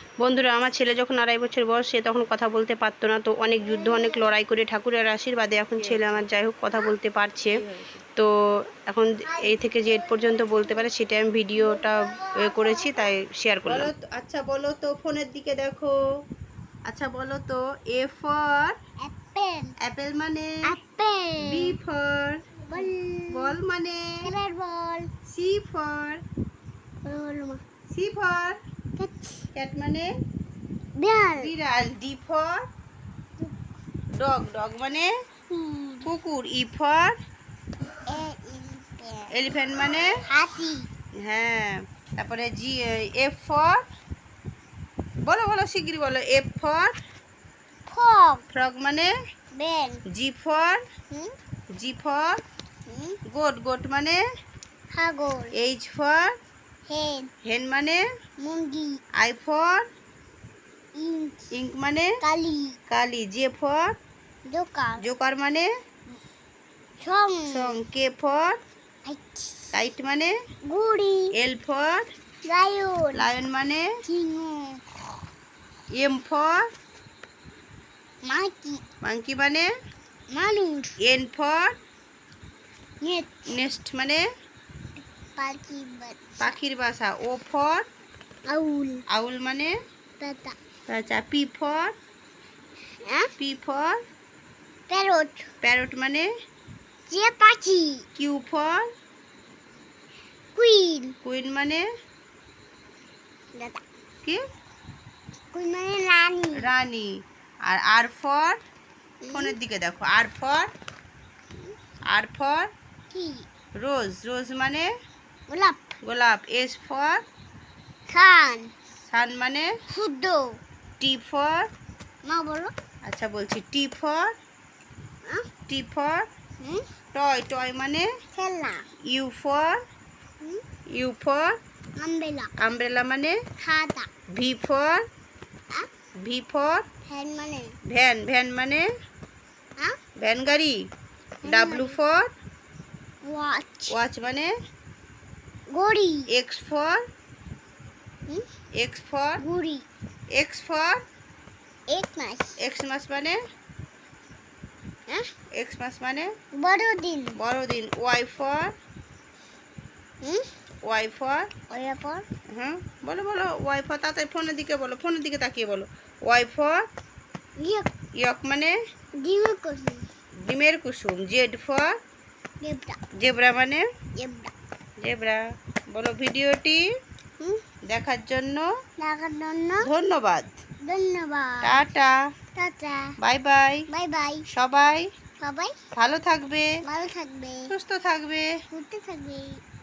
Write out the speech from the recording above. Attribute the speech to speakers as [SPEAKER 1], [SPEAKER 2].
[SPEAKER 1] বন্ধুরা, আমার ছেলে যখন 2.5 বছর বয়স, সে তখন কথা বলতে পারতো না। তো অনেক যুদ্ধ, অনেক লড়াই করে ঠাকুরের আশীর্বাদে এখন ছেলে আমার যাই হোক কথা বলতে পারছে। তো এখন এই থেকে যে পর্যন্ত বলতে পারে সেটা আমি ভিডিওটা করেছি, তাই শেয়ার করলাম। আচ্ছা বলো তো, ফোনের দিকে দেখো। আচ্ছা বলো তো, এ ফর
[SPEAKER 2] অ্যাপেল।
[SPEAKER 1] অ্যাপেল মানে
[SPEAKER 2] apple.
[SPEAKER 1] B for
[SPEAKER 2] ball.
[SPEAKER 1] Ball মানে
[SPEAKER 2] বল।
[SPEAKER 1] সি ফর ক্যাট মানে
[SPEAKER 2] বিড়াল।
[SPEAKER 1] বিড়াল। ডি ফর ডগ ডগ মানে কুকুর। ই ফর এলিফ্যান্ট মানে
[SPEAKER 2] হাতি।
[SPEAKER 1] হ্যাঁ। তারপরে জি এফ ফর বলো বলো শিগগিরি বলো। F for
[SPEAKER 2] fog.
[SPEAKER 1] ফ্রগ মানে
[SPEAKER 2] বেল।
[SPEAKER 1] জি ফর গোট গোট মানে
[SPEAKER 2] ছাগল।
[SPEAKER 1] এইচ ফর
[SPEAKER 2] হেন।
[SPEAKER 1] হেন মানে
[SPEAKER 2] মুরগি।
[SPEAKER 1] I for
[SPEAKER 2] ink.
[SPEAKER 1] ইঙ্ক মানে
[SPEAKER 2] কালি।
[SPEAKER 1] কালি। J for
[SPEAKER 2] joker.
[SPEAKER 1] জোকার মানে
[SPEAKER 2] সং।
[SPEAKER 1] সং। কে ফর কাইট মানে
[SPEAKER 2] গুড়ি।
[SPEAKER 1] L for
[SPEAKER 2] lion.
[SPEAKER 1] লায়ন মানে
[SPEAKER 2] সিংহ।
[SPEAKER 1] M for
[SPEAKER 2] monkey.
[SPEAKER 1] মাংকি মানে
[SPEAKER 2] মানুষ।
[SPEAKER 1] N for
[SPEAKER 2] net.
[SPEAKER 1] নেস্ট মানে
[SPEAKER 2] পাখি।
[SPEAKER 1] পাখির বাসা। ও ফর
[SPEAKER 2] আউল।
[SPEAKER 1] আউল মানে
[SPEAKER 2] পেতা।
[SPEAKER 1] আচ্ছা। P for
[SPEAKER 2] parrot.
[SPEAKER 1] প্যারট মানে
[SPEAKER 2] যে পাখি।
[SPEAKER 1] Q for
[SPEAKER 2] queen.
[SPEAKER 1] কুইন মানে কি
[SPEAKER 2] কুইন মানে রানী।
[SPEAKER 1] রানী। আর আর ফর ফোনের দিকে দেখো। আর ফর
[SPEAKER 2] কি
[SPEAKER 1] রোজ রোজ মানে
[SPEAKER 2] গোলাপ।
[SPEAKER 1] গোলাপ। S for
[SPEAKER 2] sun.
[SPEAKER 1] সান মানে
[SPEAKER 2] সূর্য।
[SPEAKER 1] টি ফর
[SPEAKER 2] মা বলো।
[SPEAKER 1] আচ্ছা বলছি। টি ফর টয় টয় মানে
[SPEAKER 2] খেলনা।
[SPEAKER 1] You for
[SPEAKER 2] আমবেলা।
[SPEAKER 1] আমব্রেলা মানে
[SPEAKER 2] খাতা।
[SPEAKER 1] ভি ফর
[SPEAKER 2] ফ্যান মানে
[SPEAKER 1] ভ্যান ভ্যান মানে ভ্যান গাড়ি। W for
[SPEAKER 2] watch.
[SPEAKER 1] ওয়াচ মানে
[SPEAKER 2] ঘড়ি।
[SPEAKER 1] এক্স ফর
[SPEAKER 2] ঘুড়ি।
[SPEAKER 1] এক্স ফর
[SPEAKER 2] এক মাস।
[SPEAKER 1] এক্সমাস মানে এক্সমাস মানে
[SPEAKER 2] বড়দিন।
[SPEAKER 1] বড়দিন। ওয়াই ফর
[SPEAKER 2] ওয়াইফর
[SPEAKER 1] হ্যাঁ বলো বলো। ওয়াই ফর তাড়াতাড়ি ফোনের দিকে বলো, ফোনের দিকে তাকিয়ে বলো। ওয়াই ফর ইয়ক মানে
[SPEAKER 2] ডিমের কুসুম।
[SPEAKER 1] ডিমের কুসুম। Z for
[SPEAKER 2] zebra.
[SPEAKER 1] জেব্রা মানে
[SPEAKER 2] জেব্রা।
[SPEAKER 1] জেব্রা। বলো ভিডিওটি দেখার জন্য ধন্যবাদ।
[SPEAKER 2] ধন্যবাদ।
[SPEAKER 1] টাটা
[SPEAKER 2] টাটা।
[SPEAKER 1] Bye bye.
[SPEAKER 2] Bye bye.
[SPEAKER 1] সবাই
[SPEAKER 2] সবাই
[SPEAKER 1] ভালো থাকবে,
[SPEAKER 2] ভালো থাকবে,
[SPEAKER 1] সুস্থ থাকবে।
[SPEAKER 2] ঘুরতে থাকবে।